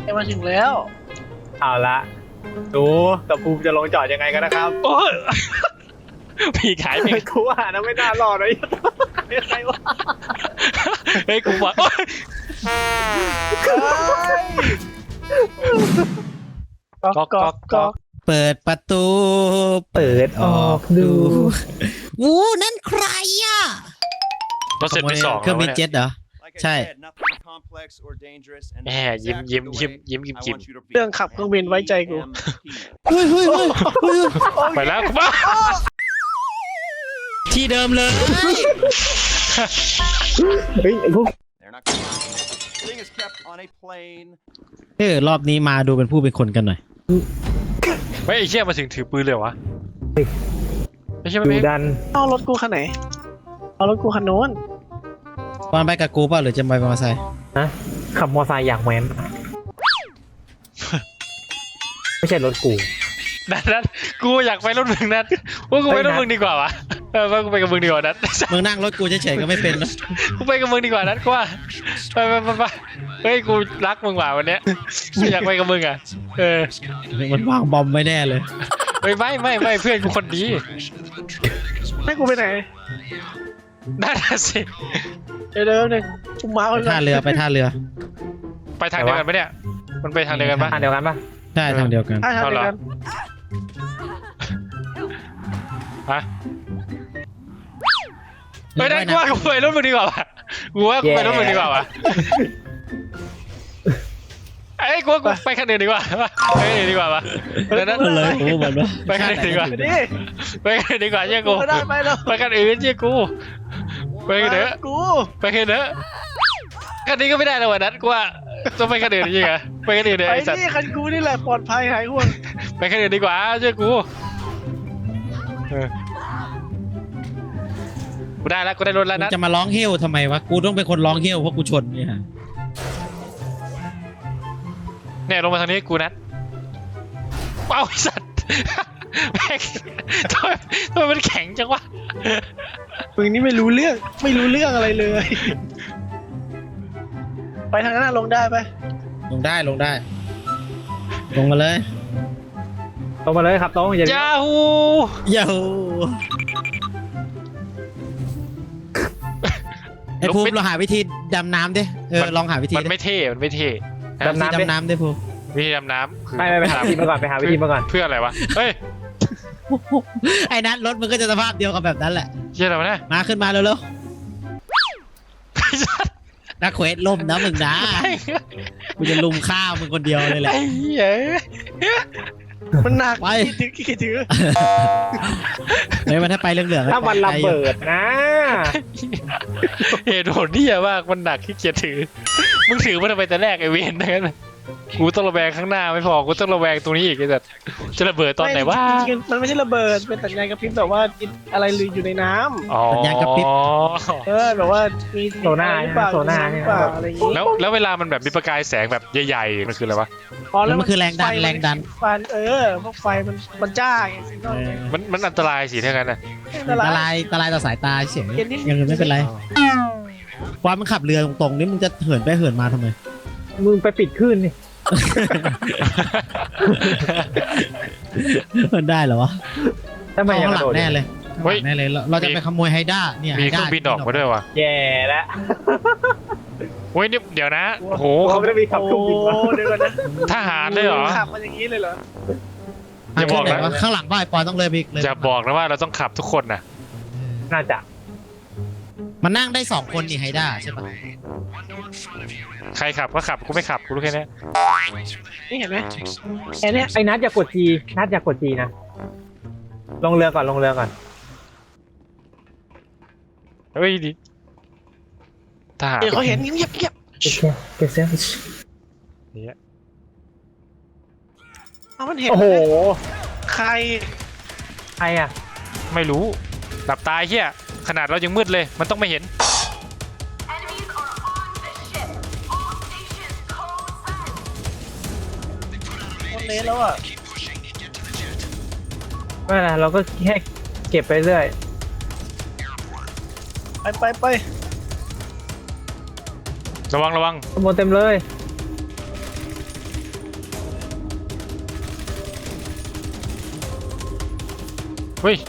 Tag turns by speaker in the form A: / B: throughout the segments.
A: มาถึงแล้ว
B: เอาละดูกับภูมิจะลงจอดยังไงกันนะครับ
C: โอ้ยพี่ขายไป
B: กูว่านะไม่น่ารอดเลยยังไงวะ
C: เฮ้ยกูบอกโอ๊ย
A: ก๊อกก๊อกก๊อก
D: เปิดประตู
B: เปิดออกดู
D: วูนั่นใครอ่ะ
C: เราเสร็จไป2
D: เครื่องบิน
C: แล้ว
D: เจ็ตเหรอ ใช่
C: แหมยิ้มกิม
A: เรื่องขับเครื่องบินไว้ใจกู
D: เฮ้ยเฮ้ยเฮ้ยเฮ้ย
C: ไปแล้วกูบ้า
D: ที่เดิมเลย
B: เฮ้ยไอ้พวก
D: รอบนี้มาดูเป็นผู้เป็นคนกันหน่อย
C: ไม่ไอ้เชี่ยมาถึงถือปืนเลยวะไม่ใช่ไหม
B: ดู
C: เมฆ
B: ดัน
A: เอารถกูคันไหนเอารถกูคันโน้น
D: ตอนไปกับกูเปล่ะหรือจะไปมอเตอร์ไซค์
B: นะขับมอไซค์อย่างแว้นไม่ใช่รถกู
C: นัดกูอยากไปรถมึงนัดว่ากูไปรถมึงดีกว่าวะว่ากูไปกับมึงดีกว่านัด
D: มึงนั่งรถกูเฉยๆก็ไม่เป็นนะ
C: กูไปกับมึงดีกว่านัดกูว่าไปเฮ้ยกูรักมึงว่ะวันเนี้ยกูอยากไปกับมึงอ่ะ
D: มันวางบอมไว้แน่เลย
C: ไม่เพื่อนกูคนดี
A: ให้กูไปไหน
C: นั่นสิ
A: เดี๋ยวหนึ่งกูมา
D: ไปท่าเรือไปท่าเรือ
C: ไปทางเดียวกันปะเนี่ยมันไปทางเดียวกันปะ
B: อันเดียวกันปะ
D: ใช่ทางเดียวกัน
A: ถ้าทำเดียวกัน
C: ฮะไม่ได้กูว่ากูไปรถมึงดีกว่าวะกูว่ากูไปรถมึงดีกว่าวะไอ้กูว่ากูไปคันอื่นดีกว่าไปคันอื่นดีกว่าวะนั่น
D: เลยโอ้เหมือนว่า
C: ไปคันอื่นดีกว่า
A: ไปดิ
C: ไปคันอื่นดีกว่าเชื่อกู
A: ไม่ได้ไปแล้ว
C: ไปคันอื่นเชื่อกูไปกันเถอะ
A: กู
C: ไปคันเถอะคันนี้ก็ไม่ได้แล้ววันนั้นกูว่าต้องไปคันอื่นจริงเหรอไปคันอื่นเลย
A: ไป
C: ไอ้สัตว์
A: นี่คันกูนี่แหละปลอดภัยหายห่วง
C: ไปคันอื่นดีกว่าเชื่อกูกูได้แล้วกูได้รถแล้ว
D: มึง
C: นะ
D: จะมาร้องเฮลทำไมวะกูต้องเป็นคนร้องเฮลเพราะกูชนเนี่ย
C: เนี่ยลงมาทางนี้กูนัดเอ้าสัตว์แม่งทำไมมันแข็งจังวะ
A: มึงนี่ไม่รู้เรื่องอะไรเลย ไปทางนั้นลงได้ไป
D: ลงได้ลงได้ ลงมาเลย
B: ตรงมาเลยครับตรงอย่า
C: จ้าฮู
D: โย่ไอ้ภูมิเราหาวิธีดำน้ำดิลองหาวิธี
C: มันไม่เท่มันไม่เท่
D: ดำน้ำดิภูมิ
C: วิธีดำน้ำคือ
B: ไปหาวิธีมาก่อนไปหาวิธีมาก่อน
C: เพื่ออะไรวะเฮ้ย
D: ไอ้นัทรถมันก็จะสภาพเดียวกับแบบนั้นแหละ
C: เชี่ยอะไรวะเนี่ย
D: มาขึ้นมาเร็วๆนักเควสล่มนะมึงนะกูจะลุมข้าวมึงคนเดียวเลยแหละ
C: ไอ้เหี้ย
A: มันหนัก
D: ไป
A: กี่ถือ
D: เฮ้ยมันถ้าไปเรื่องเหลือง
B: ถ้ามันระเบิดนะ
C: เหตุผลที่มากมันหนักขี้เกียจถือมึงถือมันทำไมแต่แรกไอเวนนั่นกูต้องระแวงข้างหน้าไม่พอกูต้องระแวงตรงนี้อีกไอ้สัสจะระเบิดตอนไหนวะ
A: มันไม่ใช่ระเบิดเป็นสัญญาณกระพริบแบบว่าอะไรอยู่ในน้ำ
C: อ๋อ
A: แบบว่ามี
B: โซน่า
A: หรือเปล่า
B: โซน่า
A: หรือเปล่าอะไรอย่างงี้
C: แล้วเวลามันแบบมีประกายแสงแบบใหญ่ๆมันคืออะไรวะ
D: แล้วมันคือแรงดันแรงดัน
A: ฟันพวกไฟมันจ้าไงสิ
C: มันอันตรายสิถ้างั้นนะ
D: อันตรายต่อสายตาเฉยอย่างอื่นไม่เป็นไรความมันขับเรือตรงๆนี่มึงจะเหินไปเหินมาทำไม
B: มึงไปปิดคลื่นนี่
D: มันได้เหรอวะ
B: ทำไม
D: เข้า
B: ยัง
D: ข้างหลั
B: โด
D: ง
B: ด
D: แน่เลยแน่เลยเราจะไปขโมยไฮด้าเนี่ย
C: มีเครื่องบินออกมาด้วยวะ
B: แย่แล้ว
C: เว้ยนี่เดี๋ยวนะโอ้โห
B: เขาไม่ได้มีขับเครื่องบินมา
A: เดี๋ยวก่อนนะ
C: ทหารเลยเหรอ
A: ขับมันอย่างนี้เลยเหรอ
C: อย่าบอกนะ
D: ข้างหลังบ้านปอนต้องเลยไปอีกเลย
C: จะบอกนะว่าเราต้องขับทุกคนนะ
B: น่าจะ
D: มันนั่งได้2คนนี่ไฮด้าใช่ปะ
C: ใครขับก็ขับกูไม่ขับกูรู้แค่นี้
A: นี่เห็นไหมแค่นี้
B: ไอ้นัทอย่ากดจีนัทอย่ากดจีนะลงเรือก่อนลงเรือก่อน
C: เฮ้ยดิทหาร
A: เดี๋ยวเขาเห็นเงียบ
B: โอเคเก็บเซฟ
C: เนี่ย
A: เอามันเห็น
B: โอ้โห
A: ใคร
B: ใครอ่ะ
C: ไม่รู้หลับตายเฮียขนาดเรายังมืดเลยมันต้องไม่เห็น
A: คนเละแล้วอ่ะ
B: ไม่เป็นไรเราก็แค่เก็บไปเรื่อย
A: ไป
C: ระวัง
B: ขโมยเต็มเลย
C: เฮ้ย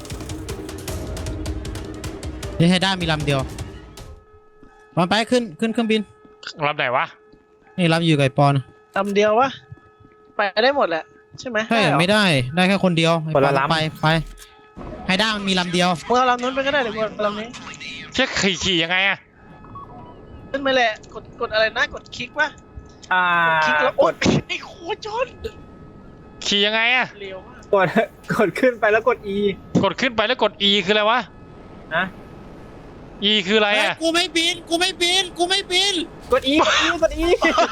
D: นี่ให้ได้มีลำเดียวมาไปขึ้นเครื่องบิน
C: รับไหนวะ
D: นี่ลำอยู่กับไอ้ปอน
A: ลำเดียววะไปได้หมดแหละใช่ไหม
D: ใช่
A: เหรอ
D: ไม่ได้แค่คนเดียวไอ้ปอนไปให้ได้มันมีลำเดียว
A: มึงเอาลำนู้นไปก็ได้เดี๋ยวกูเอาลำนี้
C: เช็คขี่ยังไงอะ
A: ขึ้นไปแหละกดอะไรนะกดคลิกวะ คลิกแล้ว
B: ก
A: โอ๊
B: ด
A: ยไอ้โคจร
C: ขี่ยังไงอะ
A: เร็วมาก
B: กดขึ้นไปแล้วกด E
C: กดขึ้นไปแล้วกด E คืออะไรวะ
B: นะ
C: E คืออะไร
D: เฮ้ย
C: อะ
D: กูไม่บินกูไม่บินกูไม่บิน
B: กด E กด E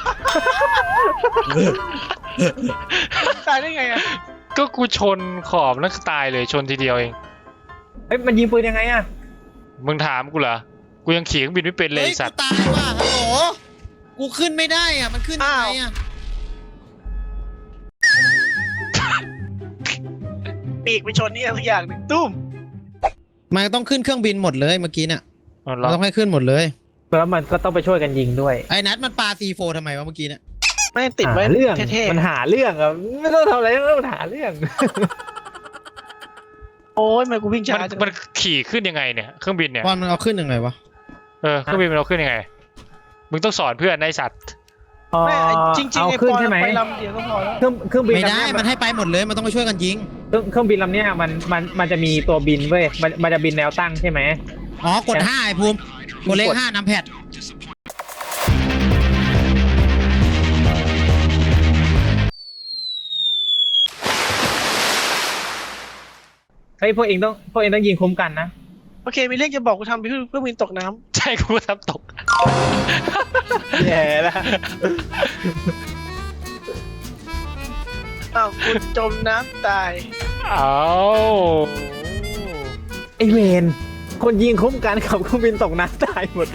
A: ตายได้ไงอะ
C: ก็กูชนขอบแล้วตายเลยชนทีเดียวเอง
B: เฮ้ยมันยิงปืนยังไงอะ
C: มึงถามกูเหรอ กูยังขี่เครื่องบินไม่เป็นเลย
D: เฮ้
C: ไอ้
D: ย
C: สั
D: กู
C: ตว์
D: ตายว่ะฮัลโหลกูขึ้นไม่ได้อ่ะมันขึ้นยังไงอ่ะ
A: ปีกไปชนนี่สักอย่างหนึ่งตุ้ม
D: มันต้องขึ้นเครื่องบินหมดเลยเมื่อกี้เนี่ย
C: อ๋อเหร
D: เรา
C: อ
D: ต้องให้ขึ้นหมดเลย
B: แล้วมันก็ต้องไปช่วยกันยิงด้วย
D: ไอ้นัทมันปาC4ทำไมวะเมื่อกี้เนี่ย
A: ไม่ติดไว้
B: หาเรื่อง
A: เท่
B: มันหาเรื่องอะไม่ต้องทำอะไรต้องหาเรื่อง
A: ๆโอ้ยทำไมกูวิ่งช้าจัง
C: มันขี่ขึ้นยังไงเนี่ยเครื่องบินเนี่ย
D: บอลมันเอาขึ้นยังไงวะ
C: เครื่องบินมันเอาขึ้นยังไง มึงต้องสอนเพื่อนในสัตว์
A: ไม่ไอ้จริงๆ
B: เอา
A: ไอ้
B: ขึ้
A: ป
B: น
A: อน
B: ใช่ไหม
A: ไปลำเดียวก็พอแล้ว
B: เครื่องบิน
D: ไม่
B: ลำ
D: ได้
B: เนี้ย
D: มันให้ไปหมดเลยมันต้องไปช่วยกันยิง
B: เครื่องบินลำเนี้ยมันจะมีตัวบินเว้ยมันจะบินแนวตั้งใช่ไหม
D: อ๋อกด5ไอ้ภูมิกดเลข5นำแพด
B: เฮ้ยพวกเองต้องยิงคุ้มกันนะ
A: โอเคมีเรื่องจะบอกกูทำเพื่อวินตกน้
C: ใช่กูทำตก
B: แย่แล้ว
A: ำอ้าวกูจมน้ำตาย
C: เอา
B: ไอเวนคนยิงคุ้มกันขับเครื่องบินตกน้ำตายหมด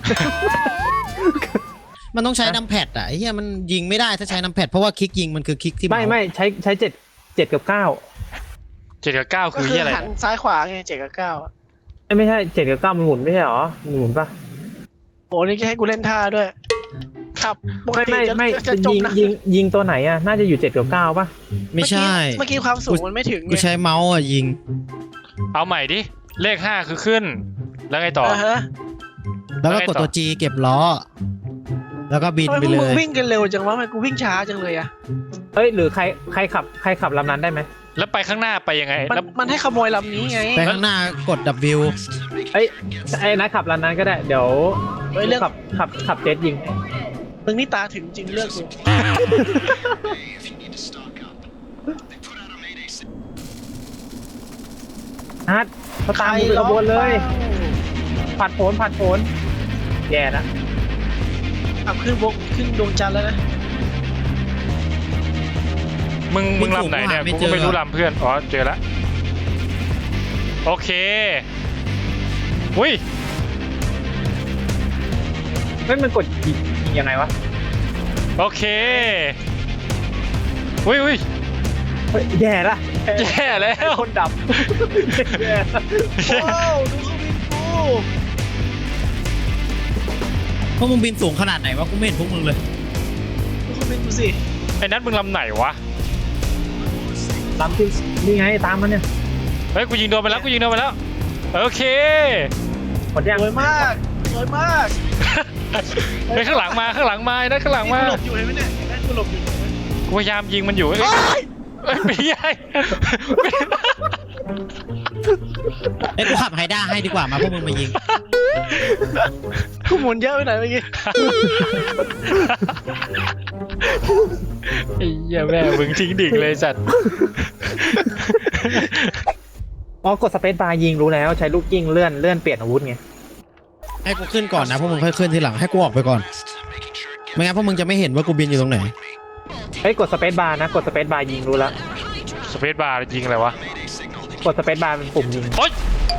D: มันต้องใช้นำแพดอ่ะไอ้เหี้ยมันยิงไม่ได้ถ้าใช้นำแพดเพราะว่าคลิกยิงมันคือคลิกที่
B: ไม่ใช้เจ็ดกับ9
C: 7 กับ 9
A: ก็
C: คือ
A: คือ
C: ที่อะไร
A: หันซ้ายขวาไง7 กับ 9อะ
B: ไม่ใช่7กับ9มันหมุนไม่ใช่หรอมันหมุนปะ
A: โอ้นี่จะให้กูเล่นท่าด้วยขับปกติ
B: ไม่
A: จะจม
B: ยิง
A: นะ
B: ยิงตัวไหนอ่ะน่าจะอยู่7กับ9ปะ
D: ไม่ใช่
A: เมื่อกี้ความสูงมันไม่ถึง
D: กูใช้เมาส์อ่ะยิง
C: เอาใหม่ดิ เลข 5 คือขึ้น แล้วไงต่อ
A: ฮะ
D: แล้วก็กดตัว G เก็บล้อ แล้วก็บิน
A: ทำไม
D: ไป
A: พวก
D: เล
A: มึง
D: ย
A: วิ่งกันเร็วจังวะทำไมกูวิ่งช้าจังเลยอะ
B: เฮ้ยหรือใครขับลำนั้นได้ไหม
C: แล้วไปข้างหน้าไปยังไง แล้ว
A: มันให้ขโมยลำนี้ไง
D: ไปข้างหน้ากด W
B: ไอ้นัทขับลำนั้นก็ได้เดี๋ยว
A: เฮ้ยเรื่อง
B: ขับเจ็ตยิง
A: มึงนี่ตาถึงจริงเลือกกู
B: นัทเขาตามมึงเป็นขบวนเลยผัดโผนแย่ละ
A: ขับขึ้นดวงจันทร์แล้วนะ
C: มึงลำไหนเนี่ย
D: ไม่
C: กู
D: เจ
C: ก็
D: อ
C: ไม่รู้ลำเพื่อน อ๋อ เจอแล้ว โอเค อุ้ย
B: เฮ้ยมันกดยิงยังไงวะ
C: โอเค อุ้ย
B: เฮ้ยแย่ละ
C: แย่แล้ว
B: คนดับแย่ละ
A: โอ้ดูเครื่องบินกู
D: พวกมึงบินสูงขนาดไหนวะกูไม่เห็นพวกมึงเลย
A: ดูเครื่องบินกูสิ
C: ไอ้นัทมึงลำไหนวะ
B: ลำที่นี่ไงตามมันเนี่ย
C: เฮ้ย กูยิงโดนไปแล้ว โอเค
B: หมดยัง
A: สวยมากสวยมาก
C: เฮ้ยข้างหลังมาไอ้นัทข้างหลังมา
A: กูหลบอยู่เห็นไหมเนี่ยเห็นไหมกูหลบอยู่
C: กูพยายามยิงมันอยู่เอ้ย
A: เฮ้ย
C: เอ้ยไม่ใช่
D: ไอ้ยกูขับไฮด้าให้ดีกว่ามาพวกมึงมายิง
A: กูหมุนเยอะไปไหนเมื่อกี้
C: ไอ้เหี้ยแม่มึงทิ้งดิ่งเลยสัตว์
B: อ๋อกดสเปซบาร์ยิงรู้แล้วใช้ลูกยิงเลื่อนเปลี่ยนอาวุธไง
D: ให้กูขึ้นก่อนนะพวกมึงค่อยขึ้นทีหลังให้กูออกไปก่อนไม่งั้นพวกมึงจะไม่เห็นว่ากูบินอยู่ตรงไหน
B: เฮ้ยกดสเปซบาร์นะกดสเปซบาร์ยิงรู้แล้ว
C: สเปซบาร์ยิงอะไรวะ
B: กดสเปซบาร์เป็นปุ่มยิง
C: โอ๊ย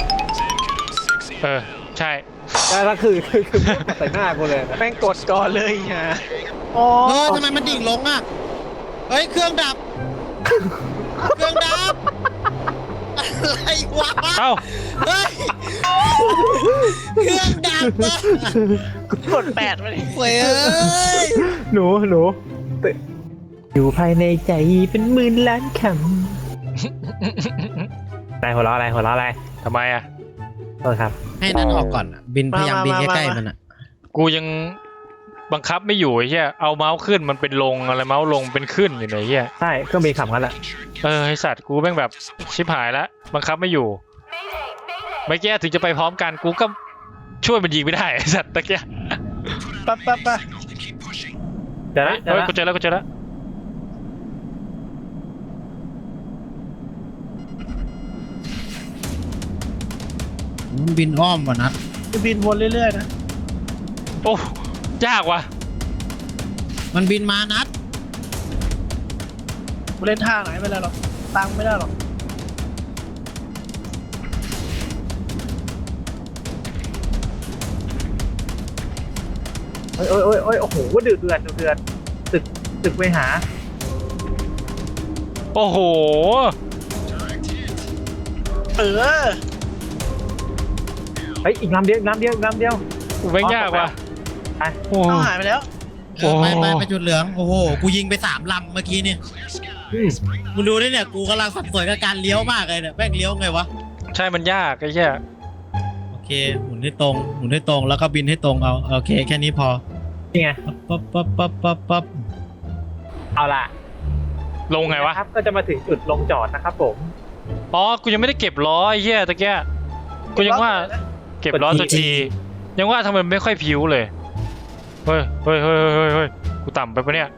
C: ใช่
B: แล้วคือใส่หน้ากูเลย
A: แม่งกดก่อนเลยฮะอ๋อ
D: ทำไมมันดิ่งลงอ่ะเฮ้ยเครื่องดับ เครื่องดับอะไรวะ
C: เอ้า
D: เฮ้ยเครื่องดับอ่ะ
A: กด8มาดิ
D: เว้ยเอ้ย
B: หนูอยู่ภายในใจเป็นหมื่นล้านคหัวเราะอะไร
C: ทำไมอ่ะ
B: โทษครับ
D: ให้นั้นออกก่อนอะบินพยายามบินใกล้ๆมันอ่ะ
C: กูยังบังคับไม่อยู่ไอ้เหี้ยเอาเมาส์ขึ้นมันเป็นลงอะไรเมาส์ลงเป็นขึ้นอยู่ไหนเหี้ย
B: ใช่เครื่องบินขับกันแหละ
C: ไอสัตว์กูแม่งแบบชิบหายแล้วบังคับไม่อยู่เมื่อกี้ถึงจะไปพร้อมกันกูก็ช่วยมันยิงไม่ได้ไอสัตว์ตะเกีย
A: ปั๊บ
B: เดี๋ยวนะ
C: เฮ้ยกูเจอแล้ว
D: บินอ้อมว่ะนัด
A: จะบินวนเรื่อยๆนะ
C: โอ้ยากว่ะ
D: มันบินมานัด
A: กูเล่นท่าไหนไม่ได้หรอกตังไม่ได้หรอก
B: โอ้ยโอ้โหเดือดตึกไปหา
C: โอ้โห
A: เออ
B: เฮ้ยอีกลำเดียว
C: กูแม่งยากว่ะโอ้
A: เอาหายไปแล้ว
D: ไปจุดเหลืองโอ้โหกูยิงไป3 ลำเมื่อกี้เนี่ยมึงดูนี่เนี่ยกูกำลังสับสนกับการเลี้ยวมากเลยเนี่ยแม่งเลี้ยวไงวะ
C: ใช่มันยากไอ้เหี้ย
D: โอเคหมุนให้ตรงแล้วก็บินให้ตรงเอาโอเคแค่นี้พอ
B: นี่ไง
D: ปั๊บ
B: เอาล่ะ
C: ลงไงวะ
B: ครับก็จะมาถึงจุดลงจอดนะครับผม
C: อ๋อกูยังไม่ได้เก็บล้อไอ้เหี้ยตะเกียกูยังว่าเก็บล้อตัวทียังว่าทำไมมันไม่ค่อยผิวเลยเฮ้ยกูต่ำไปปะเนี่ย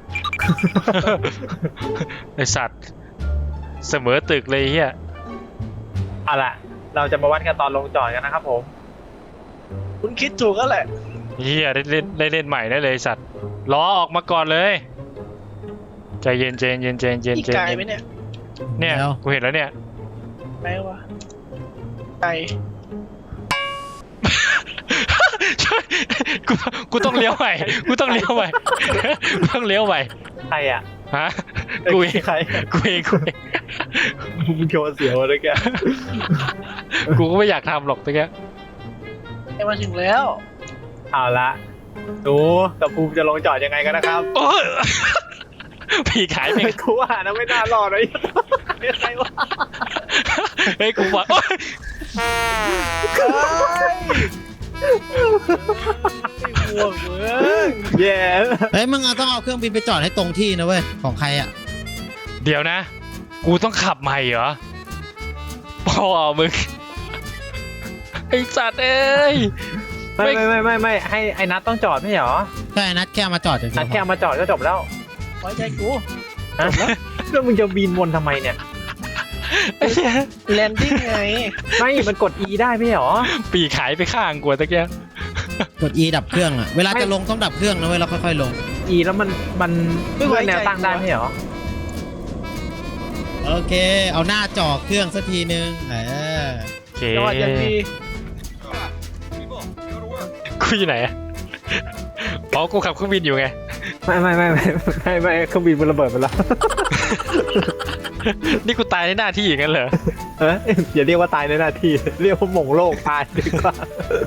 C: ไอสัตว์เสมอตึกเลยเฮีย
B: เอาล่ะเราจะมาวัดกันตอนลงจอดกันนะครับผม
A: คุณคิดถูกแล้วแหละ
C: เฮียได้เล่นใหม่ได้เลยไอ้สัตว์ล้อออกมาก่อนเลยใจเย็น
A: อีกไกลไหมเนี่ย
C: เนี่ยกูเห็นแล้วเนี่ย
A: แปลว่าไกล
C: ช่วยกูต้องเลี้ยวใหม่กูต้องเลี้ยวใหม่
B: ใครอ่ะ
C: ฮะกูเอง
B: ใคร
C: กูเอง
B: มึงโชว์เสียวเลยแก
C: กูก็ไม่อยากทำหรอกตะเกีย
A: ได้มาถึงแล้ว
B: เอาละดูกับภูมิจะลงจอดยังไงกันนะครับ
C: โอ้ยผีขายไป
B: กูว่านะไม่น่ารอดเลยเนี่ยใครวะ
C: เฮ้ยกูบอกโอ๊ย
A: ไม่ห่วงมึง
B: แย่
D: เฮ้ยมึงต้องเอาเครื่องบินไปจอดให้ตรงที่นะเว้ยของใครอ่ะ
C: เดี๋ยวนะ กูต้องขับใหม่เหรอพ่อมึงไอสัตว์เอ้ย
B: ไม่ให้ไอ้นัทต้องจอดไม่เหรอ
D: ใช่นัดแค่มาจอดเฉย
B: นัทแค่เอามาจอดก็จบแล้ว
A: ไว้ใจกู
B: ฮะแล้วมึงจะบินวนทำไมเนี่ย
C: ไอ้เหี้ย
A: แลนดิ้งไง
B: ไม่มันกด E ได้ไม่เหรอ
C: ปีขายไปข้างกูตะเกีย
D: กด E ดับเครื่องอ่ะเวลาจะลงต้องดับเครื่องนะเว้ยแล้วค่อยๆลง
B: E แล้วมันเลื่อนแนวตั้งได้ไม่เหรอ
D: โอเค เอาหน้าจ่อเครื่องสักทีนึง
C: โอเค
A: จังหวะยังดี
C: กูอยู่ไหนอะอ๋อกูขับเครื่องบินอยู่ไง
B: ไม่เครื่องบินมันระเบิดไปแล้ว
C: นี่กูตายในหน้าที่อย่างนั้นเหรอ
B: อย่าเรียกว่าตายในหน้าที่เรียกว่าหม่งโลกตายดีกว่า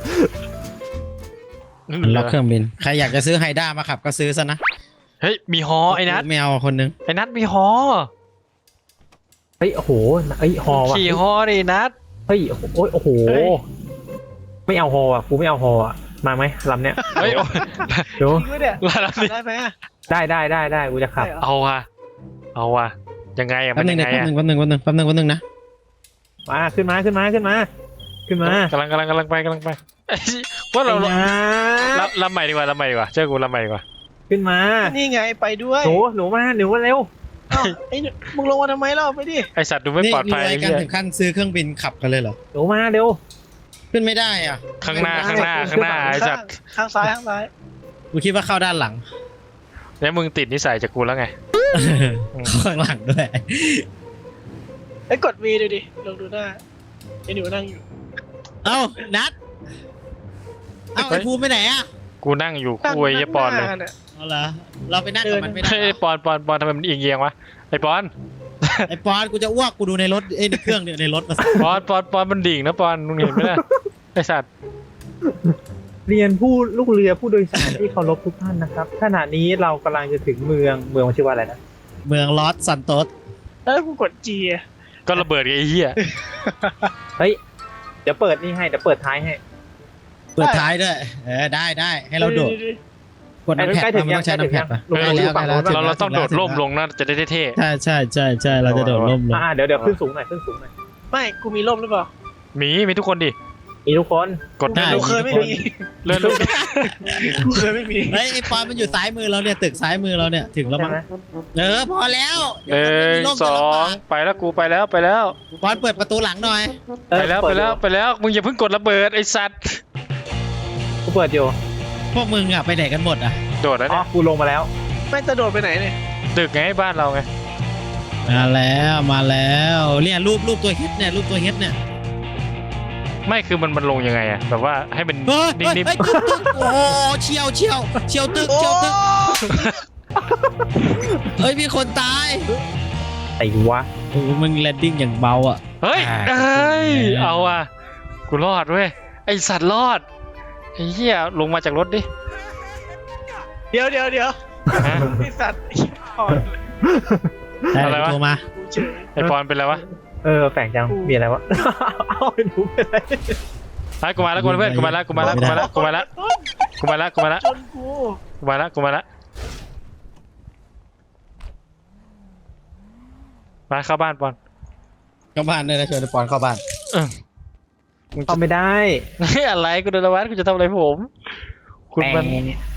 D: ล็อกเครื่องบินใครอยากจะซื้อไฮด้ามาขับก็ซื้อซะนะ
C: เฮ้ยมีฮอไอ้นัท
D: ไม่เอาคนนึง
C: ไอ้นัทมีฮอ
B: เฮ้ยโอ้โหฮอว่ะ
C: ขี่ฮอดินัท
B: เฮ้ยโอ้โหไม่เอาฮออ่ะกูไม่เอาฮออ่ะมาไหมลำเนี้ย
C: เฮ้ย
B: ดู
A: จริงด้วยเนี่ย
C: ลา
A: ขับได้ไหมอะ
B: ได้กูจะขับ
A: ได้เหรอ
C: เอาว่ะยังไงอะ
D: แป๊
C: มั
D: บ
C: น
D: นึง
C: ยังไง
D: แป๊บ
C: อะ
D: นึงนะ
B: มาขึ้นมากำลังไป
C: เอ้ยว่าเรา
B: ไอ้นะ
C: ลำใหม่ดีกว่าเชื่อกูลำใหม่ดีกว่า
B: ขึ้นมา
A: นี่ไงไปด้วย
B: หนูมาเร็ว
A: เอ้าไอ้มึงลงมาทำไมเล่าไปดิ
C: ไอสัตว์ดูไม่
D: นี่
C: ปลอด
D: ร
C: ภัย
D: วย
C: ไอ้
D: กัน
C: เหี้ย
D: ถึงขั้นซื้อเครื่องบินขับกันเลยเหรอ
B: หนูมาเร็ว
D: ขึ้นไม่ได้อ่ะ
C: ข้างหน้าไอสัตว์
A: ข้างซ้าย
D: กูคิดว่าเข้าด้านหลัง
C: แล้วมึงติดนิสัยจากกูแล้วไง
D: เข้าข้างหลังด้วย
A: ไอ้ยกด V ดูดิลองดูหน้าไอ้หนูนั่งอยู่
D: เอ้านัดเอ้าไอ้ภูมิไปไหนอ่ะ
C: กูนั่งอยู่คู่ไอ้เหี้ยปอนเลย
A: นั่งหา
D: เอาละเราไปนั่งกับมันไม่ได้
C: เฮ้ย
D: เหรอ
C: ปอนทำไมมันเอียงวะไอ้ปอน
D: ไอ้ปอนกูจะอ้วกกูดูในรถในเครื่องเนี่ยในรถมา
C: ปอนมันดิ่งนะปอนมึงเห็นไหมล่ะไอสัตว์
B: เรียนผู้ลูกเรือผู้โดยสารที่เคารพทุกท่านนะครับขณะนี้เรากำลังจะถึงเมืองมันชื่อว่าอะไรนะ
D: เมืองลอสซันโตส
A: แล้วกูกด G อะ
C: ก็ระเบิดไงไอ้เหี้ย
B: เฮ้ยเดี๋ยวเปิดนี่ให้เดี๋ยวเปิดท้ายให้
D: เปิดท้ายด้วยได้ให้เราโดดกดน้ำแพด
B: ใกล้ถึง
D: มันต้องใช้น้ำแพดป่ะ
B: ยัง
D: ใกล้แล้ว
C: เราต้องโดดร่มลงนะจะได้เท่
D: ใช่เราจะโดดร่มลง
B: เดี๋ยวขึ้นสูงหน่อยขึ้นสูงหน่อย
A: ไม่กูมีร่มหรือเปล่า
C: ๆมีทุกคนดิ
B: มีทุกคน
C: กด
D: ได้
A: กูเคยไม่มี
C: เลื่อนลง
A: กูเคยไม่มี
D: เฮ้ยไอ้ปอนมันอยู่ซ้ายมือเราเนี่ยตึกซ้ายมือเราเนี่ยถึงแล้ว
B: ใช่
D: มั้ง
B: ไหม
D: พอแล้ว
C: หนึ่งสองไปแล้วกูไปแล้ว
D: ปอนเปิดประตูหลังหน่อย
C: ไปแล้วมึงอย่าเพิ่งกดระเบิดไอ้สัตว์
B: กูเปิดอยู่
D: พวกมึงอะไปไหนกันหมดอะ
C: โดดแล้ว
B: อ๋อ
C: เนี่ย
B: กูลงมาแล้ว
A: ไม่จะโดดไปไหนเนี่ย
C: ตึกไงบ้านเราไง
D: มาแล้วเนี่ยรูปตัวเฮ็ดเนี่ย
C: ไม่คือมันลงยังไงอะแบบว่าให้มัน
D: เฮ้ย
C: นิ่ม
D: ตึกโอ้โหเชียวตึก
A: โอ้
D: เฮ้ยมีคนตาย
B: ไอ้วะ
D: โอ้โหมึงแลนดิ้งอย่างเบาอ่ะ
C: ๆเฮ้ยเอาอ่ะกูรอดเว้ยไอสัตว์รอดไอ้เหี้ยลงมาจากรถดิ
A: เดี๋ยว
C: ฮะ
A: ไอสัตว์พอ
C: อะไรวะ
D: โทรมา
A: กูเฉย
C: ไอปอนเป็นไรวะ
B: แฝงจังมีอะไรวะเอาไปดูเป็นไร
C: ไอ้กูมาแล้วกูมาแล้วเพื่อนกูมาแล้วกูมาแล้ว
A: จนกู
C: มาเข้าบ้านปอน
D: เข้าบ้านเลยนะชวนไอ้ปอนเข้าบ้าน
C: มึงจะ
B: เอาไม่ได้
C: อะไรกูโดนละวัดกูจะทำอะไรผมคุณมัน
B: แฝง